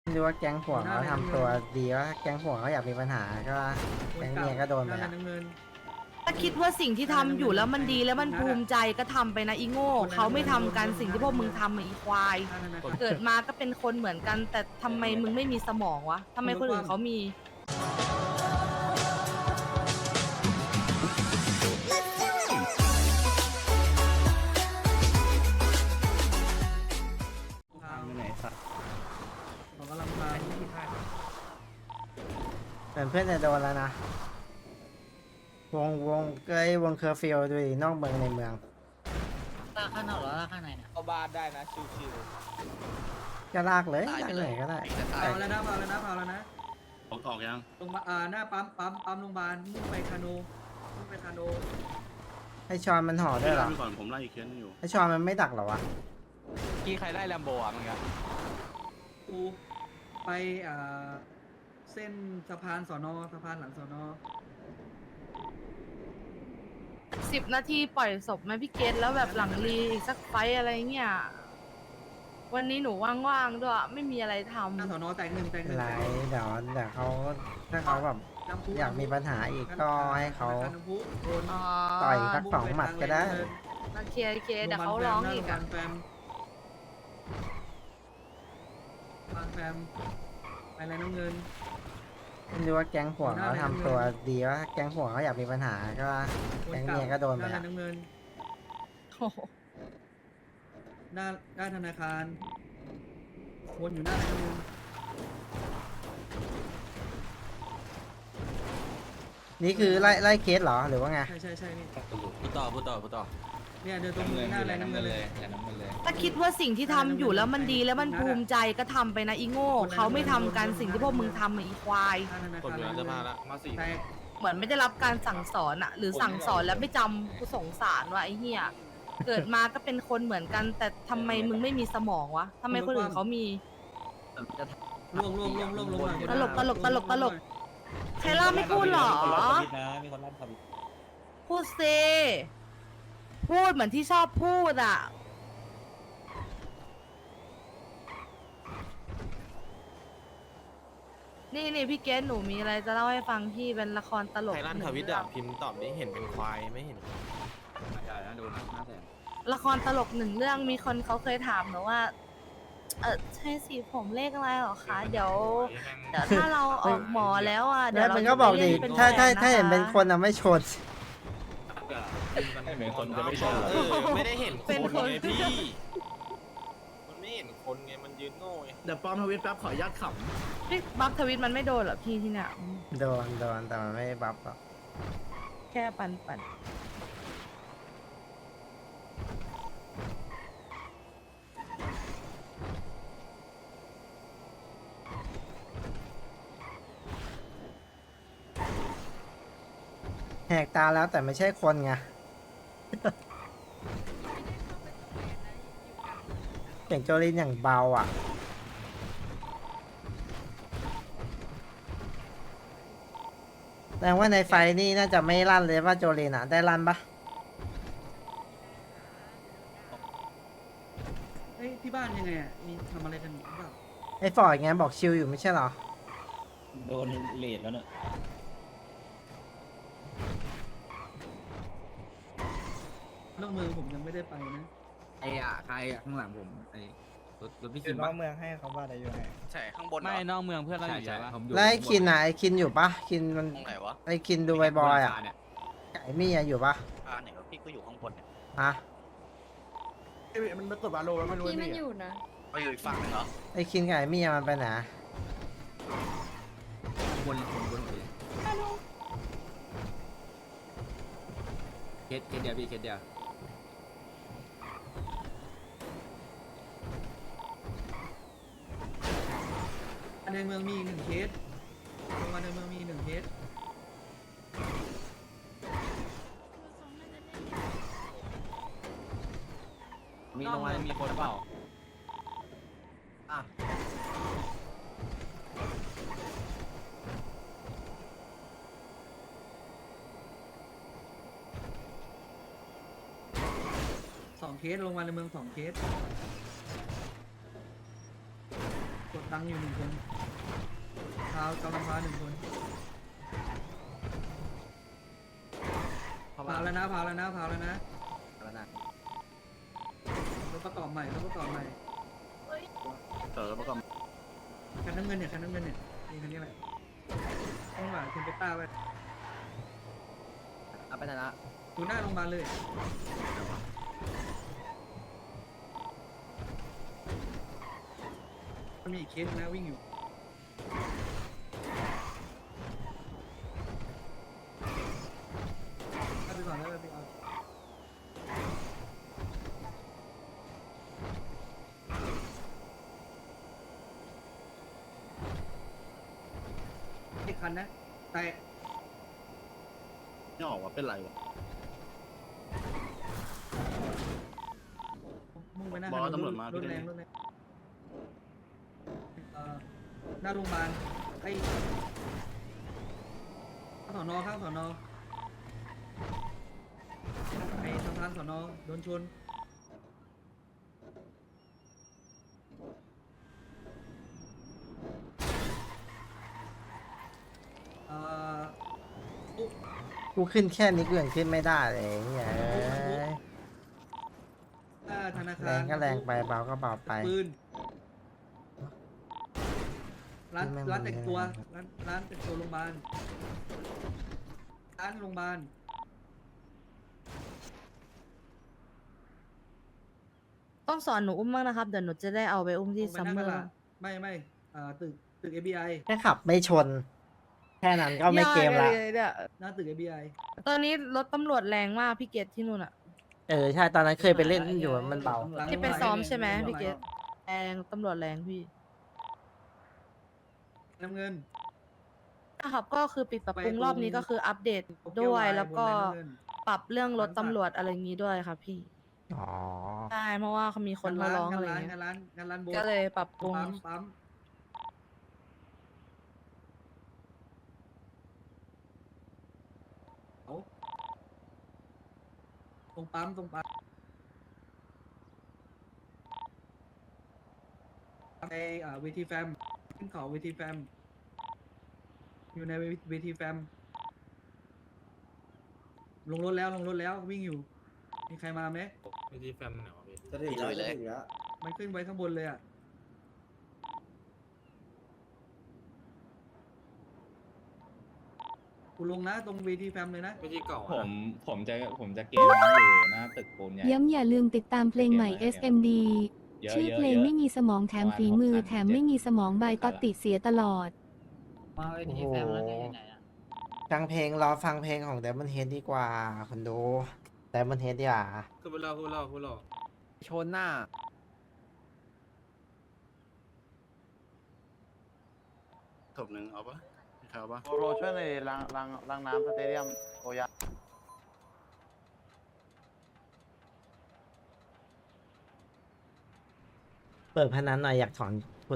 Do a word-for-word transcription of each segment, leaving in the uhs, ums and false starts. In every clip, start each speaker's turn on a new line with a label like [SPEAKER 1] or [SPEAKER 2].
[SPEAKER 1] ไม่รู้ว่าแก๊งผัวเขาทำตัวดีว่าแก๊งผัวเขาอยากมีปัญหาก็แก๊งเมียก็โดนไปละ
[SPEAKER 2] ถ้าคิดว่าสิ่งที่ทำอยู่แล้วมันดีแล้วมันภูมิใจก็ทำไปนะอีโง่เขาไม่ทำกันสิ่งที่พวกมึงทำอะอีควาย เกิดมาก็เป็นคนเหมือนกัน แต่ทำไมมึงไม่มีสมองวะทำไมคนอื่นเขามี
[SPEAKER 3] ผมกำลังมาที่ท่า
[SPEAKER 1] เหมือนเพื่อนจะโดนแล้วนะวงวงเกยวงเคอร์ฟิวดูดินอกเมืองในเมือง
[SPEAKER 4] ลากข้างนอกหรือลากข้างในเนี่ย
[SPEAKER 5] เข้าบ้านได้นะชิว
[SPEAKER 1] ก็ลากเลยลากไหนก็ได้
[SPEAKER 3] เผาแล้วนะเผาแล้วนะเผาแล้วนะ
[SPEAKER 6] ออกออกยัง
[SPEAKER 3] ลงมาอ่าหน้าปั๊มปั๊มปั๊มโรงพยาบาลมุ่งไปคาโนมุ่งไปคาโน
[SPEAKER 1] ให้ชอนมันห่อด้วยเหรอ
[SPEAKER 6] ไปก่อนผมไล่อีกเคสนึงอยู่
[SPEAKER 1] ให้ชอนมันไม่ดักเหรอวะ
[SPEAKER 5] ๆกี่ใครได้แลมโบอ่ะมึงครับ
[SPEAKER 3] กูไปอ่าเส้นสะพานสอนอสะพานหลังสอนอ
[SPEAKER 2] สิบนาทีปล่อยศพไหมพี่เกตแล้วแบบหลังรีอีกสักไฟต์อะไรเงี้ย วันนี้หนูว่างๆด้วยไม่มีอะไรท
[SPEAKER 3] หน้าสอนอแตกหนึ่งแตกหนึ่ง
[SPEAKER 1] ไรเดี๋ยวเดี๋ยวเขาถ้าเขาแบบ
[SPEAKER 3] น้ำพุ
[SPEAKER 1] อยากมีปัญหาอีกก็ให้เขา
[SPEAKER 3] น้ำพุโดน
[SPEAKER 2] ำอ๋อ
[SPEAKER 1] ต่อยสักสองหมัดก็ได้
[SPEAKER 2] โอเคโอเคเดี๋ยวเขาร้องอีก
[SPEAKER 3] โร
[SPEAKER 2] อะ
[SPEAKER 3] พยาบาลแฟมโรงพยาบาลแฟมไปอะไรน้ำเงิน
[SPEAKER 1] ไม่รู้ว่าแก๊งผัวเขาทำตัวดีว่าแก๊งผัวเขาอยากมีปัญหาก็แก๊งเมียก็โดนไป
[SPEAKER 3] หน้า
[SPEAKER 1] ละ
[SPEAKER 3] น้ำเงิน
[SPEAKER 2] โอ้โห
[SPEAKER 3] หน้าหน้าธนาคารวนอยู่หน้าน้ำเงิน
[SPEAKER 1] นี่คือไล่ไล่เคสเหรอหรือว่าไง
[SPEAKER 3] ใช่ใช่ใช่นี่
[SPEAKER 5] พูดต่อพูดต่อพูดต่อ
[SPEAKER 3] เนี่ยเดินตรงหน้าอะไรน้ำเงินเลย
[SPEAKER 2] ถ้าคิดว่าสิ่งที่ทำอยู่แล้วมันดีแล้วมันภูมิใจก็ทำไปนะอีโง่เขาไม่ทำกันสิ่งที่พวกมึงทำอะอีควาย
[SPEAKER 3] หน้าธนา
[SPEAKER 5] ผม
[SPEAKER 3] คาร
[SPEAKER 5] อยู่ร้านเสื้อผ้าละมาสี่
[SPEAKER 3] แตก
[SPEAKER 2] เหมือนไม่ได้รับการสั่งสอนอะหรือสั่งสอนแล้วไม่จำกูสงสารว่ะไอ้เหี้ยเกิดมาก็เป็นคนเหมือนกัน แต่ทำไมมึงไม่มีสมองวะทำไมคนอื่นเขามี
[SPEAKER 3] ล่วงล่วงล่วงล่วงล่วง
[SPEAKER 2] ตลกตลกตลกตลก ใครล่าไม่พูดหรอ
[SPEAKER 4] มีคนลั่นทวิต
[SPEAKER 2] พูดสิพูดเหมือนที่ชอบพูดอ่ะ นี่นี่พี่เกสหนูมีอะไรจะเล่าให้ฟังพี่เป็นละครตลก
[SPEAKER 5] ใครลั่นทวิตอ่ะพิมพ์ตอบนี้เห็นเป็นควายไม่เห็น
[SPEAKER 4] ใหญ่นะดูนะหน้าแสน
[SPEAKER 2] ละครตลกหนึ่งเรื่องมีคนเขาเคยถามหนูว่า เออใช่สีผมเลขอะไรหรอคะ เดี๋ยวเดี๋ยวถ้าเราออกหมอแล้วอ่ะเดี๋ยว
[SPEAKER 1] แล้ว
[SPEAKER 2] เรา
[SPEAKER 1] มันก็บอกดิ
[SPEAKER 2] จะไปเล่นเป็น
[SPEAKER 1] ถ้าถ้า
[SPEAKER 2] แฟ
[SPEAKER 1] ถ้าเห็นเป็นคนอะไม่ชน
[SPEAKER 4] ไม่เหมือนคนจะไม่ชอบ
[SPEAKER 5] เออไม่ได้เห็นคนไงพี่มันไม่เห็นคนไงมันยืนโง่ไง
[SPEAKER 6] เดี๋ยวปลอมทวิตแป๊บขออนุญาตข
[SPEAKER 2] พี่บัฟทวิตมันไม่โดนเหรอพี่ที่เนี่ยอืม
[SPEAKER 1] โดนโดนแต่มันไม่บัฟหรอก
[SPEAKER 2] แค่ปันปัน
[SPEAKER 1] แหกตาแล้วแต่ไม่ใช่คนไง เสียงโจลินอย่างเบาอ่ะแสดงว่าในไฟนี่น่าจะไม่ลั่นเลยว่าโจลินอ่ะ ได้ลั่นปะ
[SPEAKER 3] เฮ้ยที่บ้านยังไงอ่ะมีทำอะไรกันหรือเปล่า
[SPEAKER 1] ไอ้ฟอร์ดไงบอกชิลอยู่ไม่ใช่เหรอ
[SPEAKER 4] โดนเลดแล้วเนี่ย
[SPEAKER 3] เรื่องเมืองผมยังไม่ได้ไปนะ
[SPEAKER 4] ไอ้อะใครอะข้างหลังผมไอ้รถรถพี่
[SPEAKER 7] อ
[SPEAKER 4] คิ
[SPEAKER 7] ยู่
[SPEAKER 4] ม
[SPEAKER 7] นอ
[SPEAKER 4] ปะ
[SPEAKER 7] กเมืองให้เขาว่าอะไรอยู่ไหน
[SPEAKER 5] ใช่ข้างบนไม่นอกเมืองเพื่อนเรา
[SPEAKER 4] ใช่
[SPEAKER 5] อยู่
[SPEAKER 4] ใช่
[SPEAKER 5] ใช่ปะ
[SPEAKER 4] ผมอยู่
[SPEAKER 1] แล้วไอ้คินอ่ะไอ้คินอยู่ปะคินมัน
[SPEAKER 5] ตรงไหนวะ
[SPEAKER 1] ไอ้คินดูบอยๆอ่ะ
[SPEAKER 4] เนี่ย
[SPEAKER 1] ไก่มี่อะอยู่ปะ
[SPEAKER 5] อ่าไหนวะพี่ก็อยู่ข้างบนเนี่ย
[SPEAKER 1] ฮะ
[SPEAKER 6] ำมันไม่กดวาโลแล้วไม่รู้
[SPEAKER 8] พี่มันอยู่นะ
[SPEAKER 5] ก็อยู่อีกฝั่งหนึงเหรอ
[SPEAKER 1] ไอ้คินไก่มี่อะมันไปไหน
[SPEAKER 4] บนบนบนเลยเคสเคสเดียวพี่เคสเดียว
[SPEAKER 3] ในเมืองมีอีกหนึ่งเคสโรงพยาบาลในเมืองมีอีกหนึ่งเคส
[SPEAKER 4] มีโรงพยาบาลมีคนเปล่าอ่ะ
[SPEAKER 3] สองเคสโรงพยาบาลในเมืองสองเคสกดตังอยู่หนึ่งคนพาวกำลังพาหนึ่งคน
[SPEAKER 4] เข้า
[SPEAKER 3] พา
[SPEAKER 4] มา
[SPEAKER 3] แล้วนะพาแล้วนะพาแล้วนะ
[SPEAKER 4] แล้วนะ
[SPEAKER 3] รถประกอบใหม่รถประกอบใหม่
[SPEAKER 6] เออแล้วก็
[SPEAKER 3] คันน้ำเงินเนี่ยคันน้ำเงินเนี่ยนี่คันนี้แหละต้องหวานคุณเปต้าไป
[SPEAKER 4] เอาไปชนะ
[SPEAKER 3] ดูหน้าโรงพยาบาลเลยมันมีอีกเคสนะวิ่งอยู่เอาไปก่อนแล้วไปเอาอีกคันนะแต่
[SPEAKER 6] ไม่ออกว่าเป็นไรวะ
[SPEAKER 3] มุ่งไปหน้า
[SPEAKER 6] บอกว่าตำรวจมา
[SPEAKER 3] ถ
[SPEAKER 6] พี่
[SPEAKER 3] แร
[SPEAKER 6] ได้
[SPEAKER 3] งรถแรงเอ่อหน้าโรงพยาบาลไอ้ข้างสอนอข้างสอนอไอ้สะพานสอนอโดนชนเอ่อปุ๊บ
[SPEAKER 1] กูขึ้นแค่นี้กูยังขึ้นไม่ได้เลยเนี่ยเอ้ย
[SPEAKER 3] หน้าธนาคาร
[SPEAKER 1] แรงก็แรงไปเบาก็เบาไป
[SPEAKER 3] ปืนร้าน
[SPEAKER 1] นี่แม่ง
[SPEAKER 3] ร้านแต่งตัว
[SPEAKER 1] มัน
[SPEAKER 3] ร้านร้านแต่งตัวโรงพยาบาลร้านโรงพยาบาล
[SPEAKER 2] ต้องสอนหนูอุ้มบ้างนะครับ เดี๋ยวหนูจะได้เอาไปอุ้มที่
[SPEAKER 3] ลงไป
[SPEAKER 2] ซัม
[SPEAKER 3] นั่ง
[SPEAKER 2] เม
[SPEAKER 3] ก
[SPEAKER 2] อ
[SPEAKER 3] ระ
[SPEAKER 2] ร์
[SPEAKER 3] ดาษไม่ไม่อ่าตึกตึก เอ บี ไอ
[SPEAKER 1] แค่ขับไม่ชน แค่นั้นก็ไม่เกมละ
[SPEAKER 2] ยากเลยเนี่ย
[SPEAKER 3] หน้าตึก เอ บี ไอ
[SPEAKER 2] ตอนนี้รถตำรวจแรงมากพี่เกตที่นู่นอะ
[SPEAKER 1] เออใช่ตอนนั้นเคยไปเล่นอยู่มันเบา
[SPEAKER 2] ที่ไปซ้อมใช่ไหมพี่เกตแรงตำรวจแรงพี่
[SPEAKER 3] น้ำเงิน
[SPEAKER 2] นะครับก็คือปิดปรับปรุง
[SPEAKER 3] ไปตรง
[SPEAKER 2] รอบนี้ก็คืออัปเดต
[SPEAKER 3] โตเกี
[SPEAKER 2] ด้วย
[SPEAKER 3] ไน์
[SPEAKER 2] แล้วก็
[SPEAKER 3] บนแรงน้ำเงิน
[SPEAKER 2] ปรับเรื่องรถ
[SPEAKER 3] ร้านสัตว์
[SPEAKER 2] ตำรวจอะไรอย่างนี้ด้วยค่ะพี่
[SPEAKER 1] อ๋อ
[SPEAKER 2] ใช่เพราะว่าเขามีคนเขาร้องอะไร
[SPEAKER 3] งานร้าน
[SPEAKER 2] เงี้
[SPEAKER 3] งาย นร้านงานร้านโบส
[SPEAKER 2] ก็เลยปรับปรุง
[SPEAKER 3] ปั๊มปั๊มเอาตรงปั๊มตรงปั๊มในอ่าเวทีแฟมขึ้นเขาเวทีแฟมอยู่ในเวทีแฟมลงรถแล้วลงรถแล้ววิ่งอยู่ มีใครมาไหม
[SPEAKER 5] วิธีแฟมเหรอพี่
[SPEAKER 7] จะถึงแล้วจะถึงแล้ว
[SPEAKER 3] มันขึ้นไว้ข้างบนเลยอ่ะ กูลงนะตรงเวทีแฟมเลยนะ
[SPEAKER 5] วิธีเก่า
[SPEAKER 8] ผ
[SPEAKER 5] อะ
[SPEAKER 8] มผมจะผมจะเกมอยู่หน้าตึกปูนใหญ่
[SPEAKER 9] ย้ำอย่าลืมติดตามเพลงใหม่ เอส เอ็ม ดี
[SPEAKER 8] เยอะ
[SPEAKER 9] ชื่อ
[SPEAKER 8] เยอะ
[SPEAKER 9] เพลง
[SPEAKER 8] เยอะ
[SPEAKER 9] ไม่มีสมองแถมฝีมือ
[SPEAKER 8] ประมาณหกพัน
[SPEAKER 9] แถมไม่มีสมองใบตอดติเสียตลอด
[SPEAKER 4] มาเว
[SPEAKER 1] โอ้
[SPEAKER 4] ที
[SPEAKER 1] โห
[SPEAKER 4] แฟมแล้วจะยังไงอะ
[SPEAKER 1] ฟังเพลงรอฟังเพลงของ Diamond Head ดีกว่าคนดู Diamond Head ดีกว่า
[SPEAKER 5] คือพูดเล่าพูดเล่าพูดเล่า
[SPEAKER 4] ชนหน้า
[SPEAKER 6] ศพหนึ่งเอาปะมีใครเอาปะ
[SPEAKER 7] โปโลช่วยในล้างล้างล้างน้ำสเตเดียมโอยะ
[SPEAKER 1] เปิดพนันหน่อยอยากถอนคุณ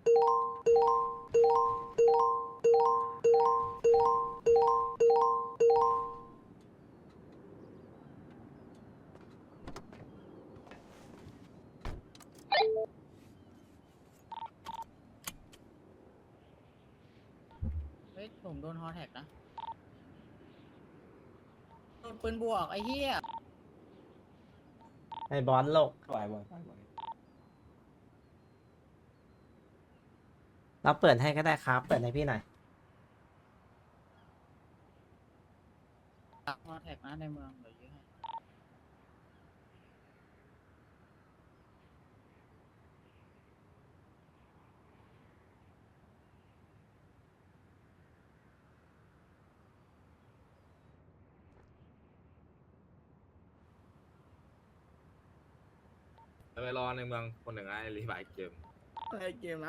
[SPEAKER 4] เฮ้ยผมโดนฮอแท็กนะโดนปืนบวกไอ้เหี้ย
[SPEAKER 1] ไอ้บอลโลก
[SPEAKER 8] ปล่อยบ่อยปล่อยบ่อย
[SPEAKER 1] เราเปิดให้ก็ได้ครับ เปิดให้พี่หน่อย
[SPEAKER 4] ฮอแท็กนะในเมืองเดี๋ยวยื้อให้
[SPEAKER 5] ไปรอในเมืองคนหนึ่งไอ้รีบายเกม
[SPEAKER 6] ไอเกมนะ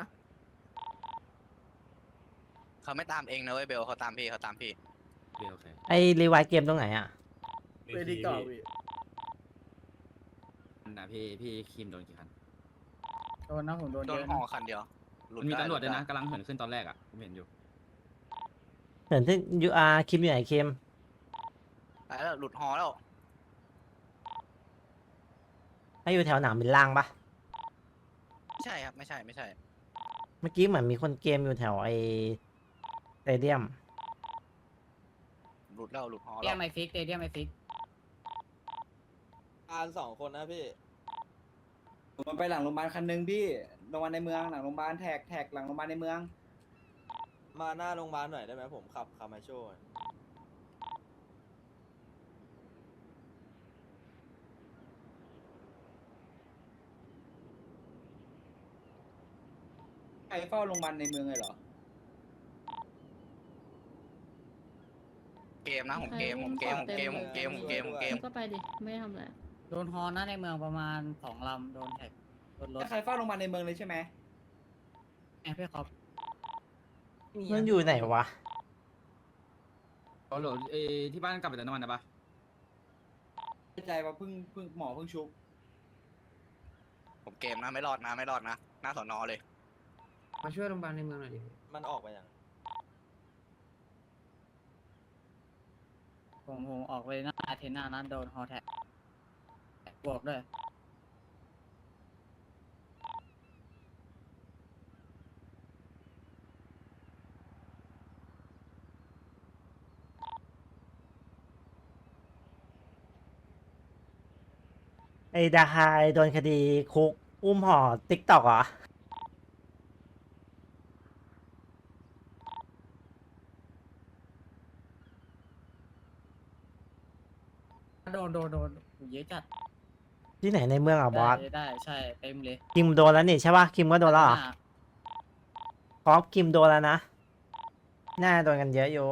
[SPEAKER 10] เขาไม่ตามเองนะเว้ยเบลเขาตามพี่เขาตามพี่
[SPEAKER 5] เดียวโอเค
[SPEAKER 1] ไอ้รีไวายเกมตรงไหนอ่ะ
[SPEAKER 6] เวทีเก่าพี่
[SPEAKER 4] นะพี่พี่คิมโดนกี่คัน
[SPEAKER 6] โดนนะผมโดน
[SPEAKER 10] โด
[SPEAKER 6] เย
[SPEAKER 10] น
[SPEAKER 6] อะ
[SPEAKER 10] ห่อ
[SPEAKER 6] นะ
[SPEAKER 10] คันเดียวหลุ
[SPEAKER 4] มันมี
[SPEAKER 10] ไ
[SPEAKER 4] ตำรวจด้วยนะ
[SPEAKER 10] หลุไ
[SPEAKER 4] กำลังเหินขึ้นตอนแรกอ่ะผมเห็นอยู่
[SPEAKER 1] เหมือนที่ยูอาร์คิมอยู่ไหนคิม
[SPEAKER 10] ได้แล้วหลุดห่อแล้ว
[SPEAKER 1] ให้อยู่แถวหนามบินล่างปะ
[SPEAKER 10] ไม่ใช่ครับไม่ใช่ไม่ใช่
[SPEAKER 1] เมื่อกี้เหมือนมีคนเกมอยู่แถวไอสเตเดียม
[SPEAKER 10] หลุดแล้วหลุดฮอ
[SPEAKER 6] เดี
[SPEAKER 10] แล้
[SPEAKER 6] ยว มไอฟิกเดียมไอฟิก
[SPEAKER 5] อ่านสองคนนะพี่
[SPEAKER 3] มันไปหลังโรงพยาบาลคันนึงพี่โรงพยาบาลในเมืองหลังโรงพยาบาลแท็กแท็กหลังโรงพยาบาลในเมือง
[SPEAKER 5] มาหน้าโรงพยาบาลหน่อยได้ไหมผมขับคามาโชว์
[SPEAKER 3] ใครเฝ้าโรงพยาบาลในเมืองเลยเหรอ
[SPEAKER 10] เกมนะผมเกมผมเกมผมเกมผมเกมผมเกมผมเกม
[SPEAKER 9] ก็ไปดิ ไม่ทำอะไร
[SPEAKER 6] โดนฮอนะในเมืองประมาณสองลำโดนแท็กโดนรถ
[SPEAKER 3] ใครเฝ้าโรงพยาบาลในเมืองเลยใช่ไหม
[SPEAKER 6] แอบพี่ครับ
[SPEAKER 1] มันอยู่ไหนวะ
[SPEAKER 4] โหลเอที่บ้านกลับไปแต่น้ำมันนะปะ
[SPEAKER 3] เข้าใจว่าเพิ่งเพิ่งหมอเพิ่งชุบ
[SPEAKER 10] ผมเกมนะไม่รอดนะไม่รอดนะหน้าสอนอเลย
[SPEAKER 6] มาช่วยโรงพยาบาลในเมืองหน่อยดิ
[SPEAKER 5] มันออกไปยัง
[SPEAKER 6] ผมผมออกไปหน้าอาเทน่านั้นโดนฮอแท็กบวกด้วย
[SPEAKER 1] ไอดาไฮโดนคดีคุก อุ้มห่อติ๊กตอกเหรอ
[SPEAKER 6] โดนโดนโดนเยอะจัด
[SPEAKER 1] ที่ไหนในเมืองอ่ะบอส
[SPEAKER 6] ได้ได้ใช่เต็มเลย
[SPEAKER 1] คิมโดนแล้วนี่ใช่ปะคิมก็โดนแล้วเหรอ
[SPEAKER 6] หน้า
[SPEAKER 1] พอปคิมโดนแล้วนะ น่าโดนกันเยอะอยู่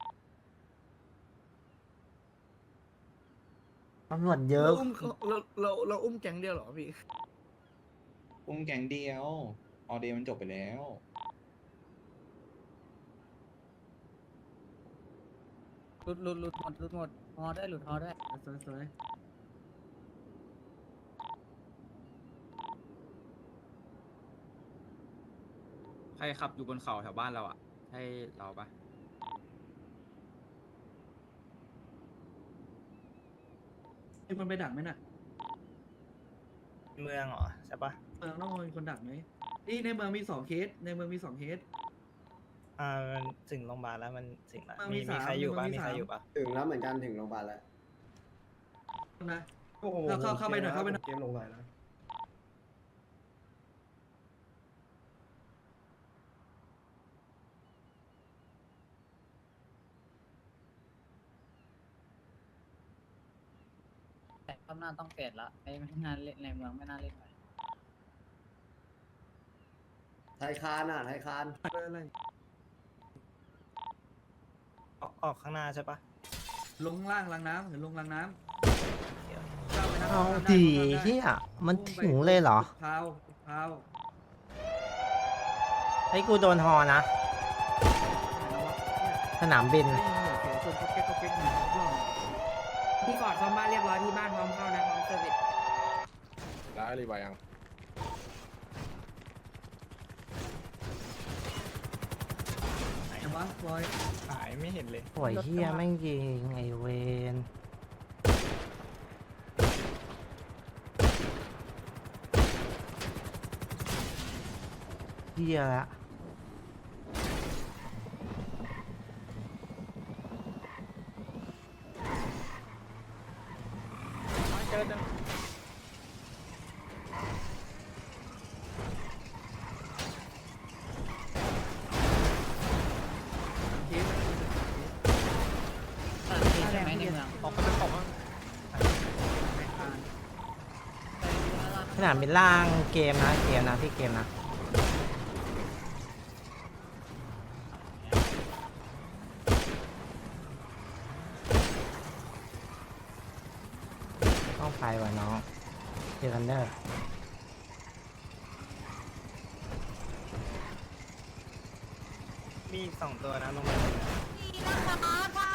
[SPEAKER 1] ตำรวจเยอะ
[SPEAKER 6] เราอุ้มเราเราเราอุ้มแก๊งเดียวเหรอพี่
[SPEAKER 8] อุ้มแก๊งเดียว ออเดย์มันจบไปแล้ว
[SPEAKER 6] หลุดหลุดหลุดหมดหลุดหมดฮอได้หลุดฮอได้
[SPEAKER 3] สวยสวย
[SPEAKER 4] ใครขับอยู่บนเขาแถวบ้านเราอ่ะใช่เราปะ
[SPEAKER 3] มีคนไปดักไหมน่ะ
[SPEAKER 1] เมืองเหรอใช่ปะ
[SPEAKER 3] เมืองต้องมีคนดักไหมนี่ในเมืองมีสองเคสในเมืองมีสองเคส
[SPEAKER 1] อ่ามันถึงโรงพยาบาลแล้วมันถึงแล้ว
[SPEAKER 3] มันมีมีใครอยู่ปะมีใครอยู่ปะ
[SPEAKER 7] ถึงแล้วเหมือนกันถึงโรงพยาบาลแล้ว
[SPEAKER 3] นะเข้าเข้าเข้าไปหน่อยเข้าไปหน่อย
[SPEAKER 7] เกมลงไปแล้ว
[SPEAKER 6] แต่รอบหน้าต้องเปลี่ยนละไม่ไม่น่าเล่นในเมืองไม่น่าเล่นไป
[SPEAKER 7] ไทยคานอ่ะไทยคาน
[SPEAKER 3] อะไร
[SPEAKER 1] ออกข้างหน้าใช่ปะ
[SPEAKER 3] ลงข้างล่างล้างน้ำหรือลงล้างน้ำก้าวไปนะ
[SPEAKER 1] เอา
[SPEAKER 3] ข้ามไ
[SPEAKER 1] ดี
[SPEAKER 3] ข้ามได้
[SPEAKER 1] เฮียมัน
[SPEAKER 3] อุ้ไป
[SPEAKER 1] ถึงเลยเหรอ
[SPEAKER 3] พาวพาว
[SPEAKER 1] ไอ้กูโดนฮอนะ สนามบิน
[SPEAKER 3] เสียงคนก็เก๊กก็เก๊กหนึ่งรอบ
[SPEAKER 6] พี่ฟอร์ดซ่อมบ้านเรียบร้อยที่บ้านพร้อมเข้านะพร้อมเซอร์วิส
[SPEAKER 5] ได้รีบไปยัง
[SPEAKER 3] ไหนวะบอย
[SPEAKER 1] หายไม่เห็นเลยโอ้ยเฮียแม่งยิงไอเวนเฮียละ
[SPEAKER 3] เคส
[SPEAKER 6] ใช่ไหมในเมือง
[SPEAKER 3] ออกไปเป็นของ
[SPEAKER 1] สนามบินล่างเกมนะเกมนะพี่เกมนะต้องไปว่ะน้องเจอกันเด้อ มีสองตัวนะลงมา
[SPEAKER 2] นี่นะคะค่ะ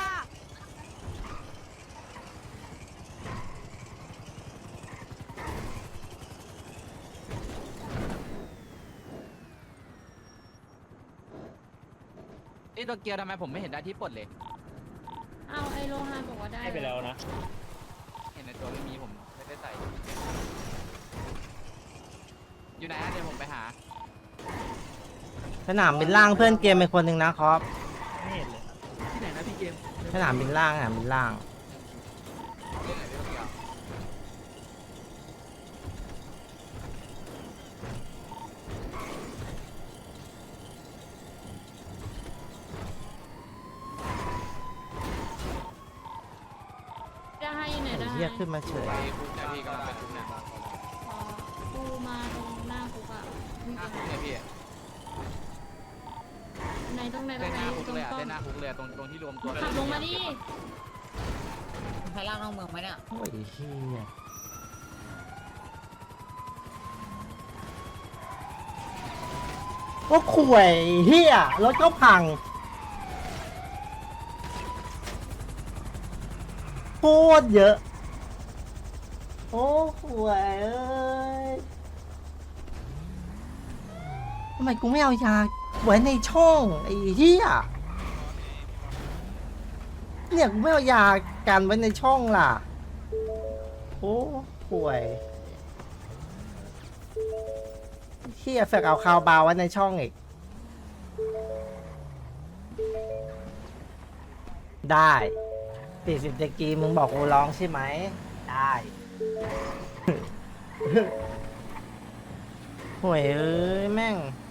[SPEAKER 4] นี่ตัวเกียร์ทำไมผมไม่เห็นได้ที่ปลดเลย
[SPEAKER 9] เอาไอโลฮานบอกว่าได้
[SPEAKER 8] ให้ไปแล้วนะ
[SPEAKER 4] เห็นในตัวไม่มีผมไม่ได้ใส่ อยู่ไหนอะเดี๋ยวผมไปหา
[SPEAKER 1] สนามบินล่างเพื่อนเกมเป็นคนหนึ่งนะครับ
[SPEAKER 3] ที่ไหนนะพี่เกม
[SPEAKER 1] สนามบินล่างสนามบินล่าง
[SPEAKER 9] ได้ให้อยู่ไหนได้
[SPEAKER 1] เรียกขึ้นมาเฉย
[SPEAKER 10] ไปคุกเนี่ยพี่กำลังไปคุกเนี่ย
[SPEAKER 9] อ๋อกูมาตรงหน้าคุกอ่ะ
[SPEAKER 10] หน้าคุกเนี่ยพี่
[SPEAKER 9] ไหนตรงไหนตร
[SPEAKER 10] เส้น
[SPEAKER 9] ง
[SPEAKER 10] ห
[SPEAKER 9] ไหน
[SPEAKER 10] น้าคุก
[SPEAKER 9] ตรง
[SPEAKER 10] เลยอะ
[SPEAKER 9] กล้อง
[SPEAKER 10] เส้นหน้าคุกเลยอะตรงตรงที่รวมตัวกัน
[SPEAKER 9] ขับลงมาดิ
[SPEAKER 6] ใครล่างนอกเมืองไหมเนี่ย
[SPEAKER 1] โอ้ยเฮียก็ข่วยเฮียรถก็พังโคตรเยอะ โอ้ข่วยเอ้ยทำไมกูไม่เอายาไว้ในช่องไอ้เฮียเนี่ยกูไม่เอายากันไว้ในช่องล่ะ โอ้ป่วยเฮียแฝกเอาคาวบาวไว้ในช่องอีก ได้สี่สิบเดกีมึงบอกกูร้องใช่ไหม ได้ ห่วยเอ้ย แม่ง